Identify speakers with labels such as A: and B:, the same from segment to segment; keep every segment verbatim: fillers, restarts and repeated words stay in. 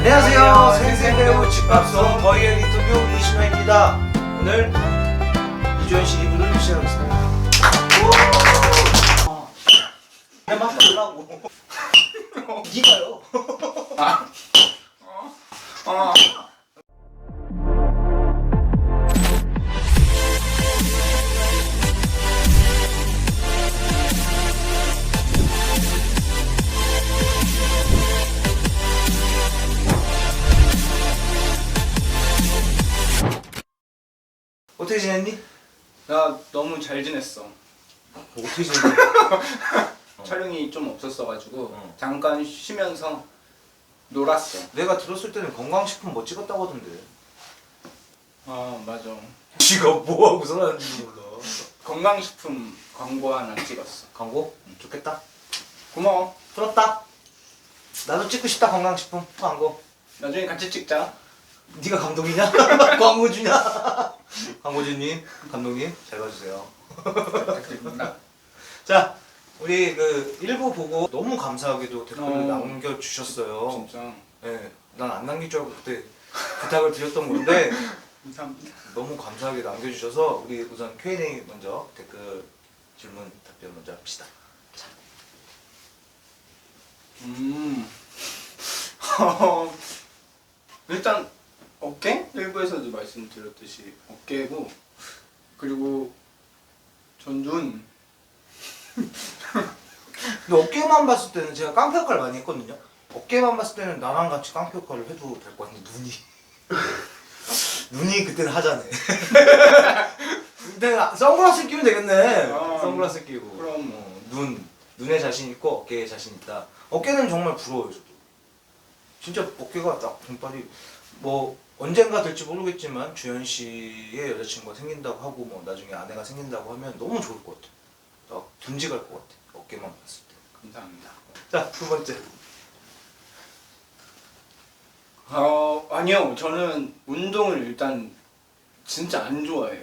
A: 안녕하세요. 생생배우 집밥소 더이엘 인터뷰 이신화입니다. 오늘 이주연 씨 이 부를 시작하겠습니다. 그냥 막 하려고. 니가요.
B: 아. 어. 어.
A: 어떻게 지냈니?
B: 나 너무 잘 지냈어.
A: 어떻게 지냈니?
B: 촬영이 좀 없었어가지고
A: 어.
B: 잠깐 쉬면서 놀았어.
A: 내가 들었을 때는 건강식품 뭐 찍었다고 하던데.
B: 아 맞아.
A: 지가 뭐하고서 하는지 몰라.
B: 건강식품 광고 하나 찍었어.
A: 광고? 좋겠다.
B: 고마워.
A: 부럽다. 나도 찍고 싶다. 건강식품 광고.
B: 나중에 같이 찍자.
A: 네가 감독이냐? 광고주냐? 광고주님, 감독님 잘 봐주세요.
B: 부탁드립니다.
A: 자, 우리 그 일부 보고 너무 감사하게도 댓글을
B: 어.
A: 남겨주셨어요.
B: 진짜
A: 네, 난 안 남길 줄 알고 그때 부탁을 드렸던 건데
B: 감사합니다.
A: 너무 감사하게 남겨주셔서 우리 우선 큐 앤 에이 먼저 댓글 질문 답변 먼저 합시다. 자.
B: 음. 어, 일단 어깨? 일부에서도 말씀드렸듯이 어깨고 그리고 전 눈.
A: 근데 어깨만 봤을 때는 제가 깡패 역할을 많이 했거든요. 어깨만 봤을 때는 나랑 같이 깡패 역할을 해도 될 것 같은데 눈이 눈이 그때는 하자네. 근데 선글라스 끼면 되겠네.
B: 아,
A: 선글라스 끼고.
B: 그럼.
A: 어, 눈 눈에 자신 있고 어깨에 자신 있다. 어깨는 정말 부러워요 저도. 진짜 어깨가 딱 등발이 뭐 언젠가 될지 모르겠지만 주현 씨의 여자친구가 생긴다고 하고 뭐 나중에 아내가 생긴다고 하면 너무 좋을 것 같아. 딱 듬직할 것 같아. 어깨만 봤을 때.
B: 감사합니다.
A: 자, 두 번째.
B: 어, 아니요. 저는 운동을 일단 진짜 안 좋아해요.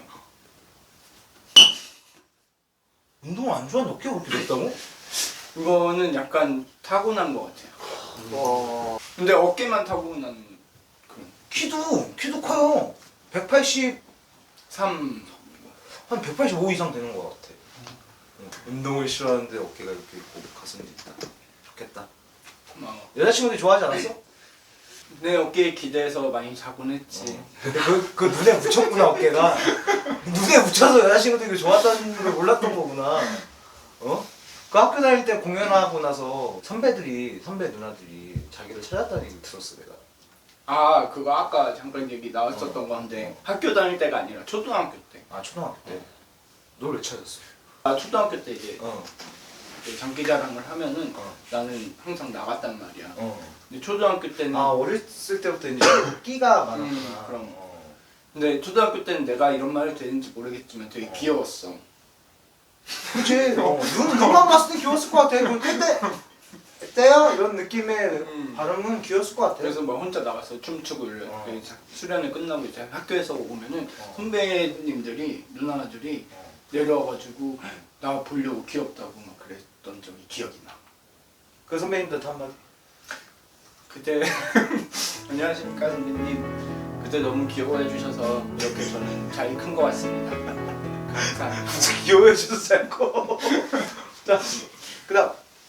A: 운동을 안 좋아하는데 어깨가 그렇게 됐다고?
B: 이거는 약간 타고난 것 같아요.
A: 와.
B: 근데 어깨만 타고난 그런
A: 키도 키도 커요. 백팔십,
B: 삼.
A: 한 백팔십오 이상 되는 것 같아. 응. 운동을 싫어하는데 어깨가 이렇게 있고 가슴이 있다. 좋겠다.
B: 고마워.
A: 여자친구들이 좋아하지 않았어?
B: 내 어깨에 기대서 많이 자곤 했지.
A: 근데 그, 그 눈에 묻혔구나 어깨가. 눈에 묻혀서 여자친구들이 좋았다는 걸 몰랐던 거구나. 어? 그 학교 다닐 때 공연하고 나서 선배들이 선배 누나들이 자기를 찾았다는 얘기 들었어 내가.
B: 아 그거 아까 잠깐 얘기 나왔었던
A: 어.
B: 건데 학교 다닐 때가 아니라 초등학교 때.
A: 아 초등학교 때. 널 왜 찾았어?
B: 아 초등학교 때 이제
A: 어.
B: 이제 장기자랑을 하면은
A: 어.
B: 나는 항상 나갔단 말이야.
A: 어.
B: 근데 초등학교 때는
A: 아 어렸을 때부터 이제 끼가 많았구나.
B: 음, 그럼.
A: 어.
B: 근데 초등학교 때는 내가 이런 말이 되는지 모르겠지만 되게
A: 어.
B: 귀여웠어.
A: 그치. 어. 눈, 눈만 봤을 때 귀여웠을 것 같아. 그 그때 때야 이런 느낌의
B: 음.
A: 발음은 귀여웠을 것 같아.
B: 그래서 막 혼자 나가서 춤추고 이래.
A: 어.
B: 그 자- 수련회 끝나고 이제 학교에서 오면은
A: 어.
B: 선배님들이 누나들이
A: 어.
B: 내려와가지고 나 보려고 귀엽다고 막 그랬던 적이 기억이 나.
A: 그 선배님들한테 한마디.
B: 그때 안녕하십니까 선배님. 그때 너무 귀여워해 주셔서 이렇게 저는 잘 큰 것 같습니다. 감사합니다.
A: 귀여워해 주셔서 않고. 자, 그다음.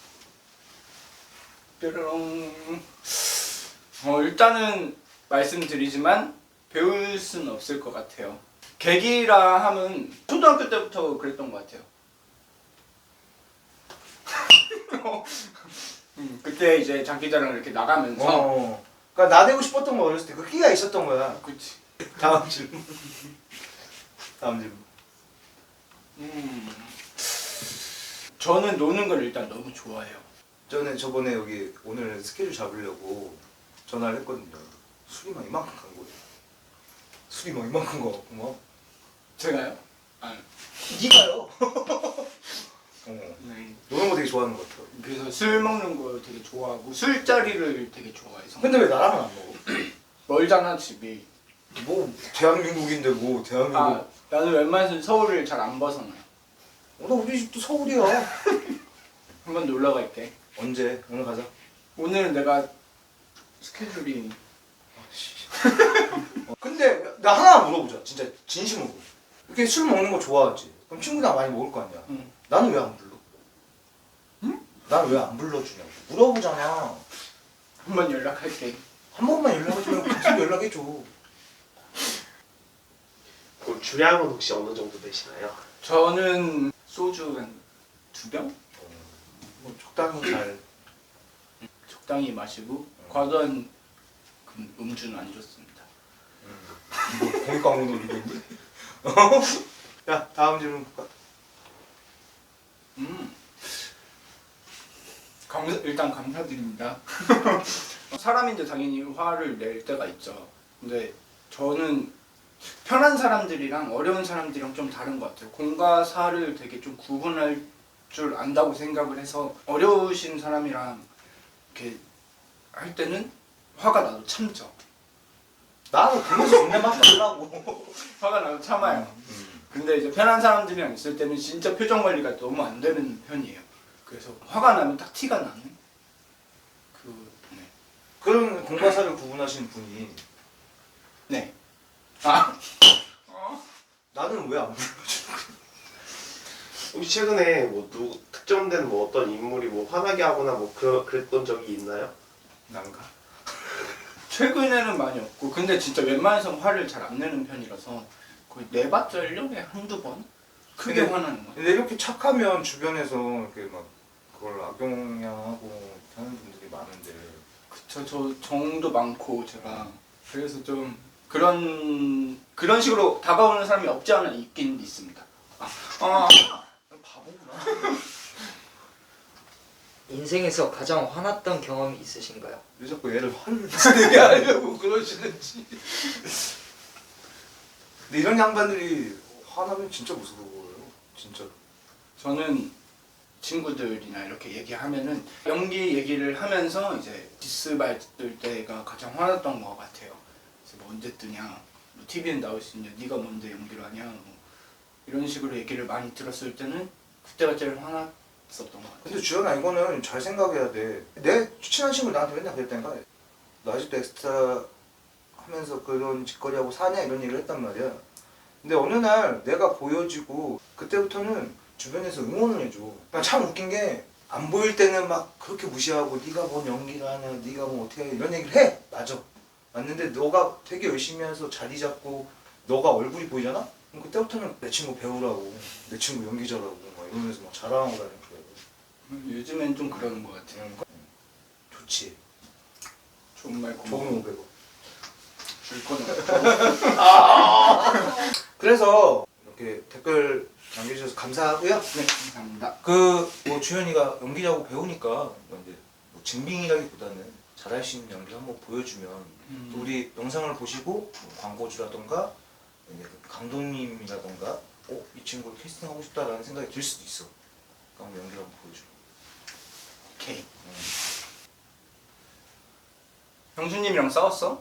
B: 뾰로롱. 어 일단은 말씀드리지만 배울 수는 없을 것 같아요. 계기라 하면 초등학교 때부터 그랬던 것 같아요. 음, 그때 이제 장기자랑 이렇게 나가면서
A: 어. 그러니까 나 되고 싶었던 거 어렸을 때 그 끼가 있었던 거야.
B: 그치.
A: 다음 질문. 다음 질문.
B: 음, 저는 노는 걸 일단 너무 좋아해요.
A: 저는 저번에 여기 오늘 스케줄 잡으려고 전화를 했거든요. 술이 막 이만큼 간 거예요. 술이 막 이만큼 거 같고 막.
B: 제가요? 아,
A: 니가요? 어.
B: 네.
A: 노는 거 되게 좋아하는 것 같아요.
B: 그래서 술 먹는 거 되게 좋아하고 술자리를 되게 좋아해서.
A: 근데 왜 나랑은 안 먹어?
B: 멀잖아 집이.
A: 뭐 대한민국인데 뭐 대한민국.
B: 아 나는 웬만해서 서울을 잘 안 벗어나.
A: 어, 나 우리 집도 서울이야.
B: 한번 놀러 갈게.
A: 언제? 오늘 가자.
B: 오늘 내가 스케줄이
A: 나 하나 물어보자. 진짜 진심으로. 이렇게 술 먹는 거 좋아하지? 그럼 친구랑 많이 먹을 거 아니야?
B: 응.
A: 나는 왜 안 불러?
B: 응?
A: 나는 왜 안 불러주냐고. 물어보잖아.
B: 한번 연락할게.
A: 한 번만 연락해주면 계속 연락해줘.
C: 그럼 주량은 혹시 어느 정도 되시나요?
B: 저는 소주 한 두 병?
A: 뭐 적당히 잘.
B: 적당히 마시고 과도한 그 음주는 안 좋습니다.
A: 뭐 공익광고 노리겠니? 야 다음 질문 볼까?
B: 음. 감사, 일단 감사드립니다. 사람인데 당연히 화를 낼 때가 있죠. 근데 저는 편한 사람들이랑 어려운 사람들이랑 좀 다른 것 같아요. 공과 사를 되게 좀 구분할 줄 안다고 생각을 해서 어려우신 사람이랑 이렇게 할 때는 화가 나도 참죠.
A: 나는 그래서 존댓말 하려고.
B: 화가 나도 참아요.
A: 음.
B: 근데 이제 편한 사람들이랑 있을 때는 진짜 표정 관리가 너무 안 되는 편이에요. 그래서 화가 나면 딱 티가 나는 그 네.
A: 그런 공과 사를 구분하시는 분이
B: 네. 아.
A: 나는 왜 안 불러줘?
C: 혹시 최근에 뭐 누, 특정된 뭐 어떤 인물이 뭐 화나게 하거나 뭐 그, 그랬던 적이 있나요?
B: 난가? 최근에는 많이 없고 근데 진짜 웬만해서 화를 잘 안 내는 편이라서 거의 내봤자 일 년에 한두 번? 크게
A: 근데-
B: 화나는 거.
A: 근데 이렇게 착하면 주변에서 이렇게 막 그걸 악용하고 하는 분들이 많은데
B: 그쵸, 저 정도 많고 제가 그래서 좀 그런 그런 식으로 다가오는 사람이 없지 않아 있긴 있습니다. 아, 아
A: 바보구나.
D: 인생에서 가장 화났던 경험이 있으신가요?
A: 왜 자꾸 얘를 화를 내게 하려고 그러시는지. 근데 이런 양반들이 화나면 진짜 무서워요. 진짜.
B: 저는 친구들이나 이렇게 얘기하면은 연기 얘기를 하면서 이제 디스 받을 때가 가장 화났던 것 같아요. 그래서 뭐 언제 뜨냐, 뭐 티비엔 나올 수 있냐, 네가 뭔데 연기를 하냐, 뭐 이런 식으로 얘기를 많이 들었을 때는 그때가 제일 화났었던 것 같아요.
A: 근데 주연아 이거는 잘 생각해야 돼. 내 친한 친구 나한테 맨날 그랬다니까. 너 아직도 엑스트라 하면서 그런 짓거리하고 사냐 이런 얘기를 했단 말이야. 근데 어느 날 내가 보여지고 그때부터는 주변에서 응원을 해줘. 그러니까 참 웃긴 게 안 보일 때는 막 그렇게 무시하고 네가 뭔 연기를 하냐, 네가 뭐 어떻게 해 이런 얘기를 해. 맞아. 맞는데 너가 되게 열심히 해서 자리 잡고 너가 얼굴이 보이잖아? 그럼 그때부터는 내 친구 배우라고, 내 친구 연기자라고 막 이러면서 막 자랑하고 다니는 거야.
B: 음, 요즘엔 좀 그러는 것 같아요.
A: 좋지.
B: 좋은 말
A: 좋은
B: 고마워.
A: 오백 원.
B: 줄 거는 없고.
A: 그래서 이렇게 댓글 남겨주셔서 감사하고요.
B: 네, 감사합니다.
A: 그 뭐 주현이가 연기자고 배우니까 뭐 이제 뭐 증빙이라기보다는 잘할 수 있는 연기 한번 보여주면
B: 음.
A: 또 우리 영상을 보시고 뭐 광고주라던가 이제 그 감독님이라던가 어? 이 친구를 캐스팅하고 싶다라는 생각이 들 수도 있어. 그럼 연기를 한번 보여줘.
B: 오케이.
A: 음.
B: 형수님이랑 싸웠어?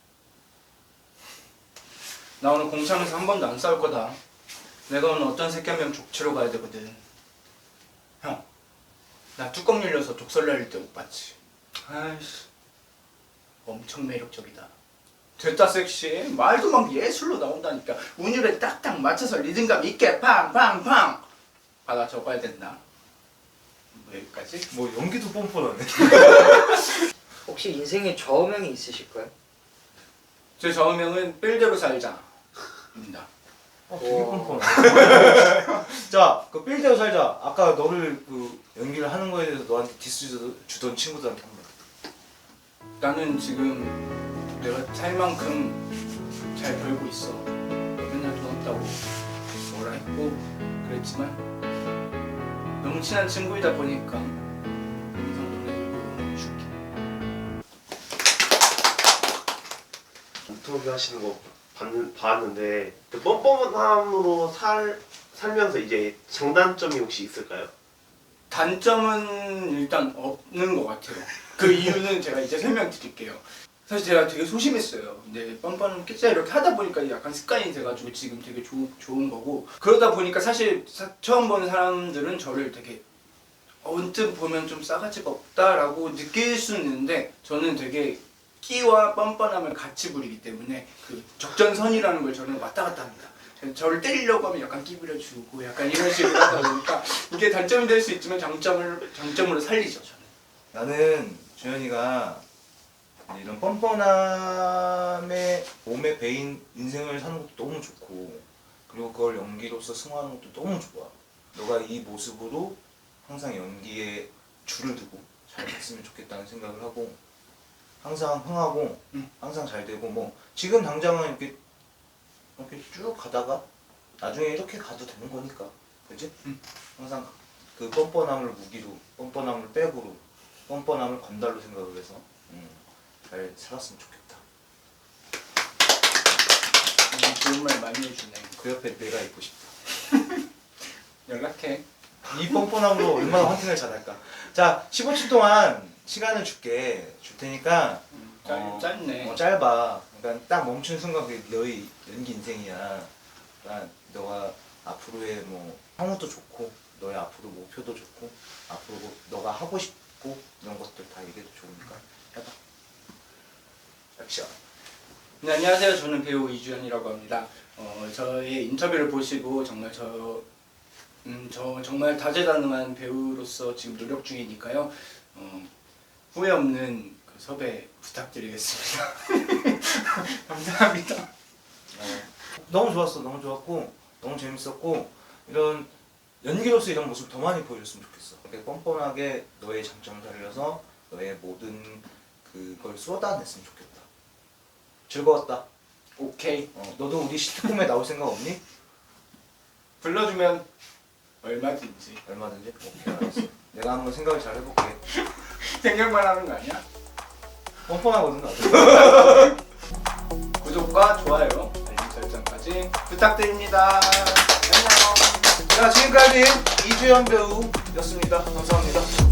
B: 나 오늘 공창에서 한 번도 안 싸울 거다. 내가 오늘 어떤 새끼 한 명 족치러 가야 되거든. 형, 나 뚜껑 열려서 족설 날릴 때 못 봤지? 아이씨, 엄청 매력적이다. 됐다 섹시해. 말도 막 예술로 나온다니까. 운율에 딱딱 맞춰서 리듬감 있게 팡팡팡. 받아 적어야 된다. 뭐 여기까지?
A: 뭐 연기도 뻔뻔하네.
D: 혹시 인생에 좌우명이 있으실까요?
B: 제 좌우명은 빌대로 살자입니다.
A: 어, 되게
D: 와.
A: 뻔뻔하네. 자, 그 빌대로 살자. 아까 너를 그 연기를 하는 거에 대해서 너한테 디스 주던 친구들한테 한 번.
B: 나는 지금 내가 살 만큼 잘 벌고 있어. 맨날 돈 없다고 뭐라 했고 그랬지만 너무 친한 친구이다 보니까 영상 노래 들고 줄게.
C: 인터뷰 하시는 거 봤는, 봤는데 그 뻔뻔함으로 살, 살면서 이제 장단점이 혹시 있을까요?
B: 단점은 일단 없는 것 같아요. 그 이유는 제가 이제 설명드릴게요. 사실 제가 되게 소심했어요. 근데 뻔뻔한 깨짜 이렇게 하다 보니까 약간 습관이 돼가지고 지금 되게 조, 좋은 거고 그러다 보니까 사실 사, 처음 보는 사람들은 저를 되게 언뜻 보면 좀 싸가지가 없다라고 느낄 수는 있는데 저는 되게 끼와 뻔뻔함을 같이 부리기 때문에 그 적전선이라는 걸 저는 왔다 갔다 합니다. 저를 때리려고 하면 약간 끼부려주고 약간 이런 식으로 하다 보니까 이게 단점이 될 수 있지만 장점을 장점으로 살리죠 저는.
A: 나는 주현이가 이런 뻔뻔함에 몸에 배인 인생을 사는 것도 너무 좋고 그리고 그걸 연기로서 승화하는 것도 너무 좋아. 너가 이 모습으로 항상 연기에 줄을 두고 잘 됐으면 좋겠다는 생각을 하고 항상 흥하고
B: 응.
A: 항상 잘 되고 뭐 지금 당장은 이렇게 이렇게 쭉 가다가 나중에 이렇게 가도 되는 거니까 그지?
B: 응.
A: 항상 그 뻔뻔함을 무기로 뻔뻔함을 백으로 뻔뻔함을 건달로 생각을 해서 음, 잘 살았으면 좋겠다.
B: 음, 좋은 말 많이 해주네.
A: 그 옆에 내가 있고 싶다.
B: 연락해.
A: 이 뻔뻔함으로 얼마나 헌팅을 잘할까. 자, 십오 초 동안 시간을 줄게. 줄 테니까
B: 음, 짧,
A: 어,
B: 짧네.
A: 어, 짧아. 그러니까 딱 멈춘 순간 그게 너의 연기 인생이야. 그러니까 너가 앞으로의 뭐 향후도 좋고 너의 앞으로 목표도 좋고 앞으로 너가 하고 싶고 이런 것들 다 얘기해도 좋으니까 해봐. 액션.
B: 네, 안녕하세요. 저는 배우 이주연이라고 합니다. 어, 저의 인터뷰를 보시고 정말 저, 음, 저 정말 다재다능한 배우로서 지금 노력 중이니까요. 어, 후회 없는 그 섭외 부탁드리겠습니다. 감사합니다.
A: 어, 너무 좋았어. 너무 좋았고 너무 재밌었고 이런 연기로서 이런 모습 더 많이 보여줬으면 좋겠어. 이렇게 뻔뻔하게 너의 장점을 살려서 너의 모든 그걸 쏟아냈으면 좋겠다. 즐거웠다.
B: 오케이.
A: 어, 너도 우리 시트콤에 나올 생각 없니?
B: 불러주면 얼마든지.
A: 얼마든지. 오케이 알았어. 내가 한번 생각을 잘 해볼게.
B: 생각만 하는 거 아니야?
A: 뻔뻔하거든 나도.
B: 구독과 좋아요, 알림 설정까지 부탁드립니다. 안녕.
A: 자 지금까지 이주연 배우였습니다. 감사합니다.